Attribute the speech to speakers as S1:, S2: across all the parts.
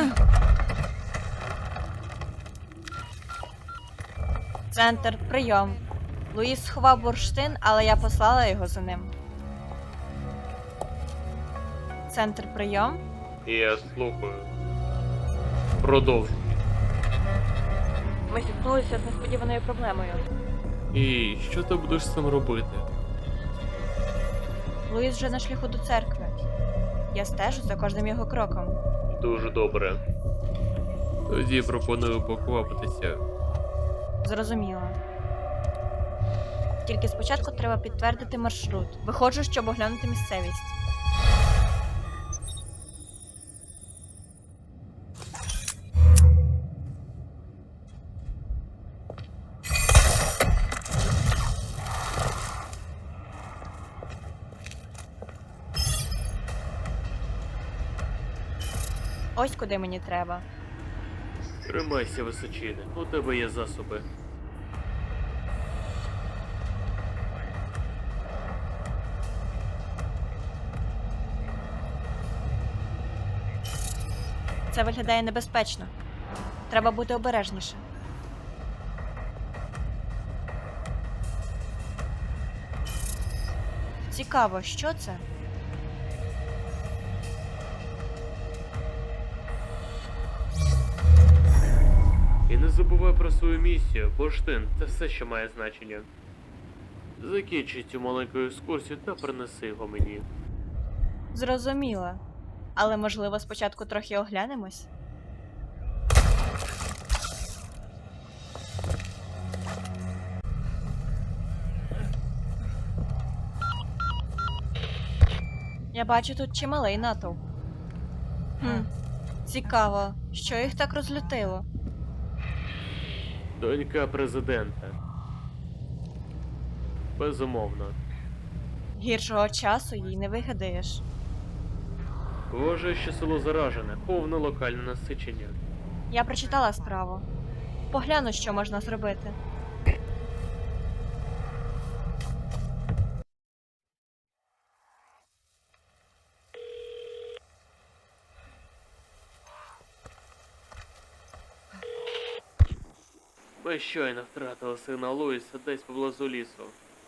S1: Центр, прийом. Луїс сховав бурштин, але я послала його за ним. Центр, прийом.
S2: Я слухаю. Продовжуй.
S1: Ми зіткнулися з несподіваною проблемою.
S2: І що ти будеш з цим робити?
S1: Луїс вже на шляху до церкви. Я стежу за кожним його кроком.
S2: Дуже добре. Тоді пропоную поквапитися.
S1: Зрозуміло. Тільки спочатку треба підтвердити маршрут. Виходжу, щоб оглянути місцевість. Ось куди мені треба.
S2: Тримайся, височине, у тебе є засоби.
S1: Це виглядає небезпечно. Треба бути обережніше. Цікаво, що це?
S2: І не забувай про свою місію, бурштин – це все, що має значення. Закінчи цю маленьку екскурсію та принеси його мені.
S1: Зрозуміло. Але, можливо, спочатку трохи оглянемось? Я бачу тут чималий натовп. Цікаво, що їх так розлютило?
S2: Донька президента. Безумовно.
S1: Гіршого часу їй не вигадаєш.
S2: Вважаю, що село заражене, повне локальне насичення.
S1: Я прочитала справу. Погляну, що можна зробити.
S2: Ми щойно втратили сина Луїса десь поблизу лісу.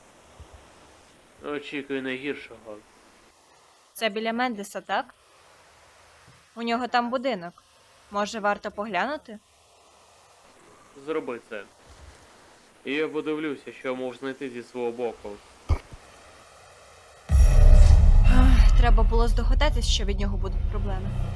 S2: Очікую найгіршого.
S1: Це біля Мендеса, так? У нього там будинок. Може, варто поглянути?
S2: Зроби це. І я подивлюся, що я можу знайти зі свого боку.
S1: Треба було здогадатись, що від нього будуть проблеми.